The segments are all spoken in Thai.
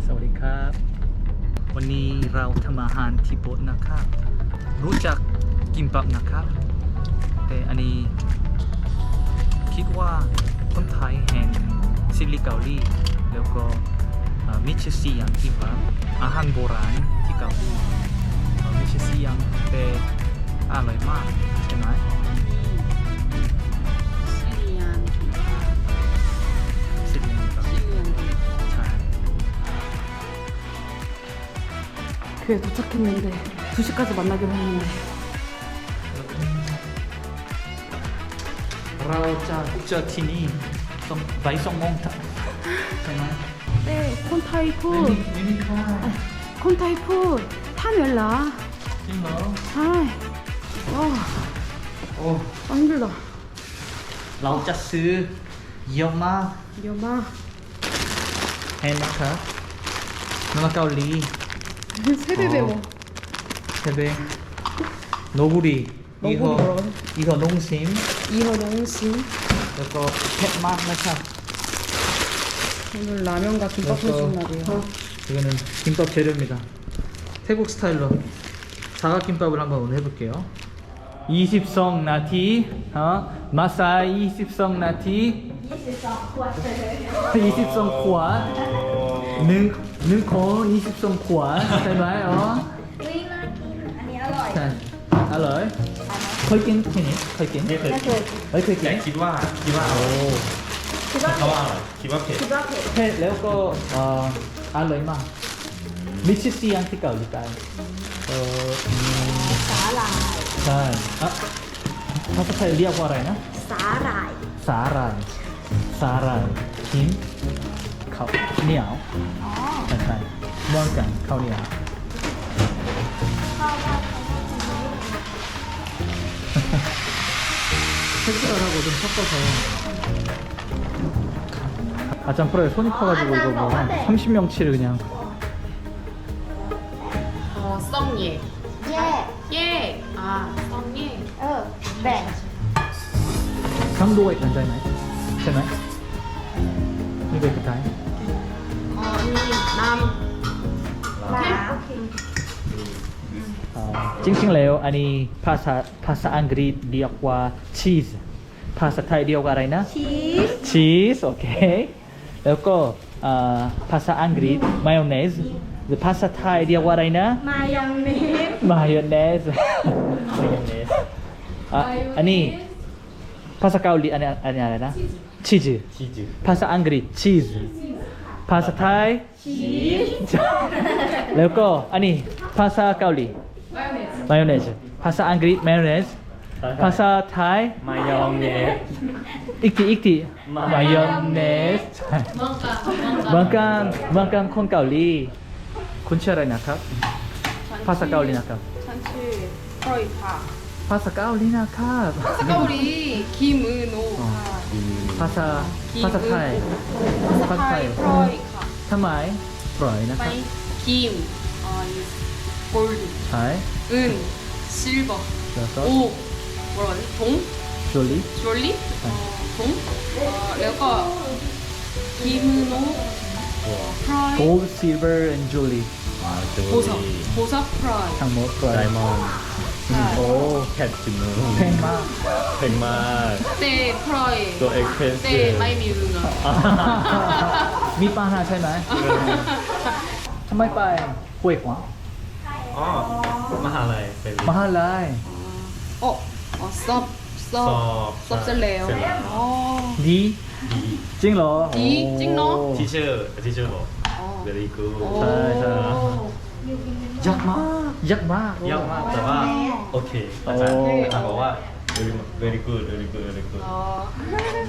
สวัสดีครับวันนี้เราทำอาหารที่โบสถ์นะครับรู้จักกิมบับนะครับแต่อันนี้คิดว่าคนไทยแห่งซิลิเกาหลีแล้วก็มิชซีอย่างกิมบับอาหารโบราณที่เกาหลีมิชซีอย่างแต่อร่อยมากใช่ไหม 교회 도착했는데 2시까지 만나기로 했는데 เราจะเจอที่นี่ต้องไป2 โมงใช่ไหม 네 콘타이 푸 ไม่มีค่า 콘타이 푸 타멜라 จริงเหรอ 아이 와 โอ้ 힘들다 เราจะซื้อเยอะมาก 여마 เห็นนะครับน้ำเกาหลี 세배 배워 세배 노구리 이거 뭐라고? 이거 농심 이허 농심 그리고 팻맛นะครับ 오늘 라면과 김밥 해준 날이에요 이거는 김밥 재료입니다 태국 스타일로 사각김밥을 한번 오늘 해볼게요 20성 나티 마사이 20성 나티 20성ขวด1 คน20 ขวดใช่ไหมอ๋ออุ้ยน่ากิน อันนี้อร่อยใช่อร่อยเคยกินที่นี่เคยกินไม่เคยไม่เคยเฮ้ยเคยกิแต่นคิดว่าโอ้คิดว่าเขาว่าอะไรคิดว่าเผ็ดคิดว่าเผ็ดเผ็ดแล้วก็อร่อยมากมิชซียังที่เกาหลีใต้สาหร่ายใช่ภาษาไทยเรียกว่าอะไรนะสาหร่ายสาหร่ายหินข้าวเหนียวอ๋อใช่เหมือนกันข้าวเหนียวข้าวว่า 색깔하고 좀 섞어서 아참 프로에 손이 커가지고 이거 뭐 한 30명치를 그냥 썸예 แยก 예! 아 썸예 แบ่ง 강도가 있잖아요. 되나요? 이거 이렇게 다요? 남 ร้านโอเค 찡찡래요. 아니 파사 앙그리 리역과 치즈. 파사 타이 리역 알아이나? ชีส 치즈. 오케이. 그리고 파사 앙그리 마요네즈. 파사 타이 리역 알아이나? มายองเนส 마요네즈. 마요네즈. 아니 파사 가울리 아니 알아나? 치즈. ชีจืด 파사 앙그리 치즈. 파사 타이 ชีสแล้วก็อันนี้ภาษาเกาหลีมายองเนสภาษาอังกฤษมายองเนสภาษาไทยมายองเนสอีกทีมายองเนสเหมือนกันคนเกาหลีคุณชื่ออะไรนะครับภาษาเกาหลีนะครับ 찬치 프로이파 ภาษาเกาหลีนะครับ 가오리 김은호 ภาษาไทยภาษาไทย 프로이카 ทำไมปล่อยนะครับ 파이 김 골드 ใช่ 은 실버 แล้วก็ 오 뭐라고 하지? 동? จูลี่ 주얼리? 동?แล้วก็ 김은호 프라이 gold silver and jewelry 보석 프라이 ทั้งหมดปล่อยไดมอนด์ โอ้แคทจินูแพงมากแพงมาก 때 프라이 ตัวเอ็กเพรส 때 마이 미우나 มีปัญหาใช่ไหม ทำไมไปห้วยขวางอ๋อมหาลัยเป็นมหาลัยสอบ 섭셀래요 ดี จริงเหรอดีจริงเนอะทีเชอร์บอก very good ใช่ใช่ยากมากยากมากแต่ว่าโอเคอาจารย์บอกว่า very good ไม่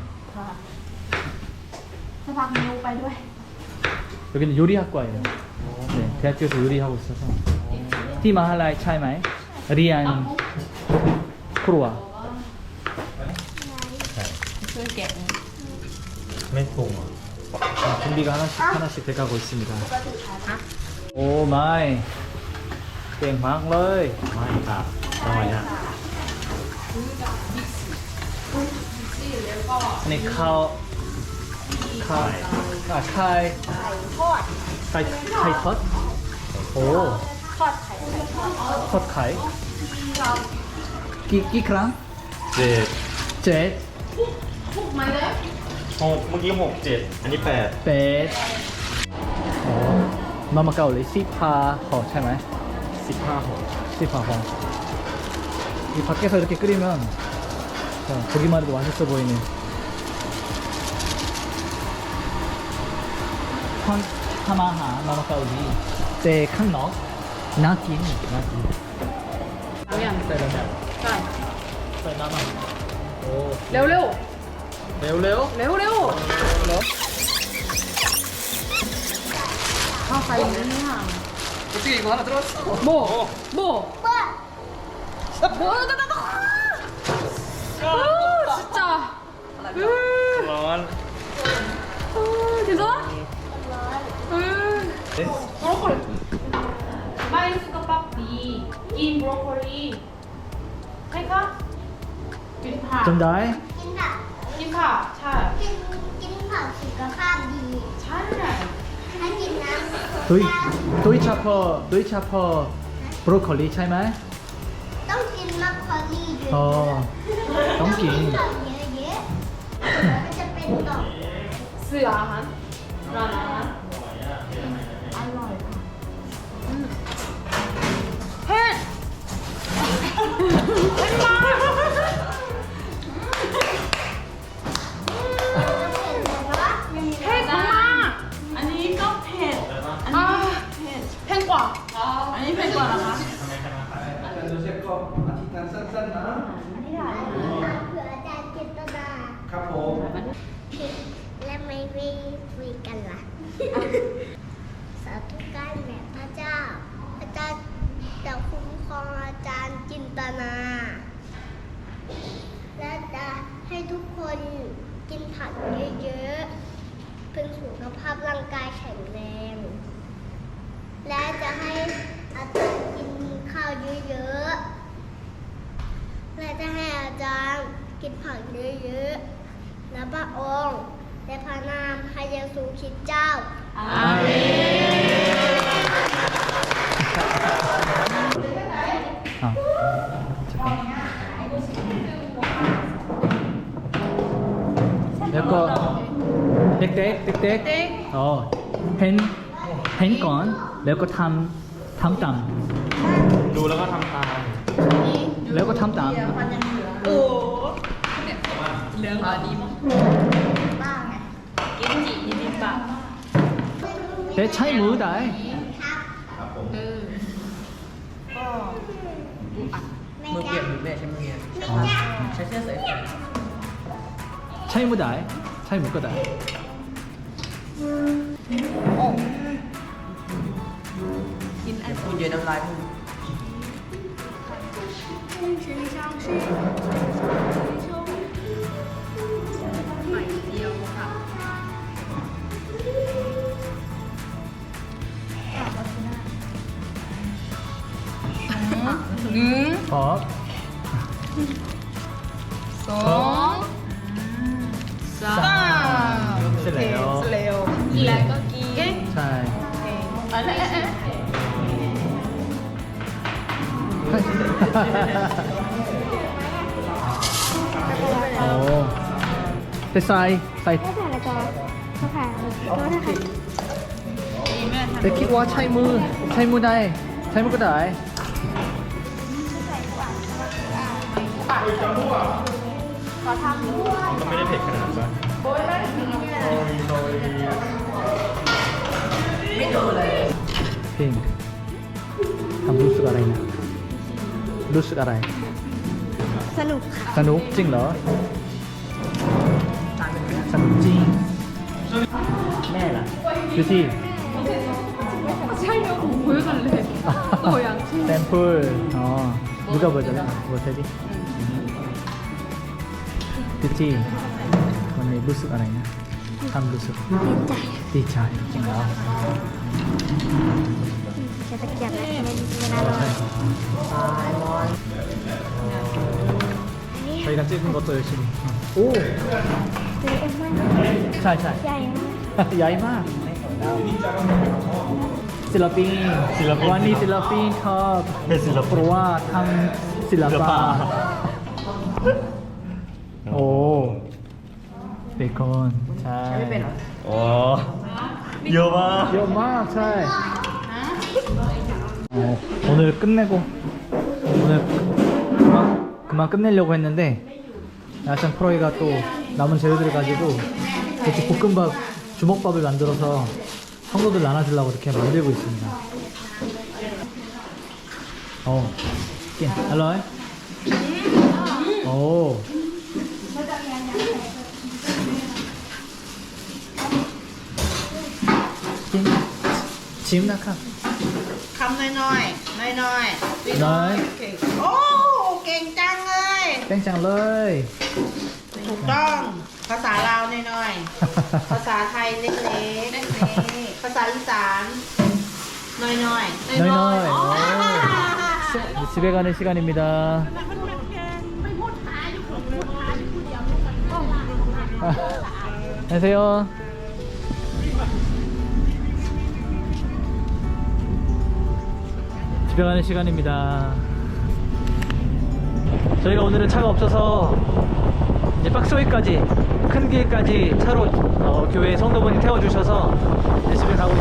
จะพักนิ้วไปด้วย 여기는 요리학과예요. 네, 대학교에서 요리하고 있어서. 티 마할라이 차이마이 리안 프로와 ไม่ปรุงอ่ะ 준비가 하나씩 돼가고 있습니다. 오 마이 땡막เลยไม่ค่ะทำไมอ่ะอันนี้ข้าวไข่ทอดไข่ทอดโอ้ทอดไข่กี่ครั้งเจ็ดเจ็ดหกเมื่อกี้หกเจ็ดอันนี้แปดเป็ดโอ้มามาเกาหลี15ห่อใช่ไหม 15หก 15ห่อ이 밖에서 이렇게 끓이면 보기만 해도 맛있어 보이는 하마하 마마카우리 제 칸너 나틴 나틴 เอาอย่างใส่แล้วเนี่ยใช่ใส่น้ำมันโอ้เร็วเร็วเร็วเร็วเร็วเร็วข้าวไฟนี่เนี่ย 어떻게 이거 하나 들어왔어 โบโบโบ진짜 ร้อน 괜찮아? 브로콜리. 마이스가 밥비. 인 브로콜리. 해가? 빈파. 좀 더. 빈파. 차. กินผักสุขภาพดี 차를. ถ้ากินน้ 도이 차퍼 브로콜리 ใช่ไหมำต้องกินมัคคอรี่ด้วย 어 ต้องกินผักเยอะๆมันจะเป็นต่อม 스아한. 라나. อร่อย 햇! 햇 엄마! 아니 커피. 아, 팽과. 아니 펜과라가. เผื่ออาจารย์เจตนาครับผมและไม่คุยกันล่ะ สาธุการแด่พระเจ้า พระเจ้าจะคุ้มครองอาจารย์จินตนา และจะให้ทุกคนกินผักเยอะๆเพื่อสุขภาพร่างกายแข็งแรง และจะให้อาจารย์กินข้าวเยอะๆ และจะให้อาจารย์กินผักเยอะๆ และพระองค์และพระนามพระเยซูคริสต์เจ้า 아, 잠깐. 내거 땡땡. 펜ก่อนแล้วก็ทำตามดูแล้วก็ทำตามแล้วก็ทำตาม 겐지 비빔밥. แต่ใช้มือได้มือเปียกมือแม่ใช้มือใช้เสื้อใส่ใช้มือได้ใช้มือก็ได้คุณเย็นน้ำลายมึงพอ เสร็จแล้ว 이라고 끼게. ใช่ โอ้แต่ใส่แต่คิดว่าใช้มือได้ใช้มือก็ได้ก็ไม่ได้เผ็ดขนาดนั้นพิงทำรู้สึกอะไรนะ รู้สึกอะไรสนุกค่ะสนุกจริงเหรอ สนุกจริง แม่ล่ะดูที่ 차이냐고 보여달래. 또 양치. 샘플 누가 보여줄래? 보여줘야지 그치? 오늘 루스 알아있나? 참 루스 디차 진짜 จะตะเกียบนะไม่น่าร้อน 저희가 찍은 것도 열심히 오! เล็กมาก 잘 ใหญ่มาก 야이마 ศิลปินศิลปินวันนี้ศิลปินชอบเป็นศิลเพปินราะว่าทำศิลปะโอ้เบคอนใช่ไม่เป็นเหรอโอ้เยอะมากเยอะมากใช่오늘 끝내고 오늘 그만 끝내려고 했는데 야생 프로이가 또 남은 재료들을 가지고 이렇게 볶음밥 주먹밥을 만들어서 성도들 나눠주려고 이렇게 만들고 있습니다. 낀, 알로이? 오. 낀, 지금 나카. คำน้อยๆ น้อยๆพี่น้อยน้อยเก่งโอ้ เก่งจังเลย 땡짱러이. ถูกต้อง ภาษาลาวน้อยๆ ภาษาไทยเล็กๆ ภาษาอีสานน้อยๆ 너희너희. 집에 가는 시간입니다. 안녕하세요. 집에 가는 시간입니다. 저희가 오늘은 차가 없어서 이제 박스웨이까지 큰 길까지 차로 교회 성도분이 태워주셔서 이제 집에 가고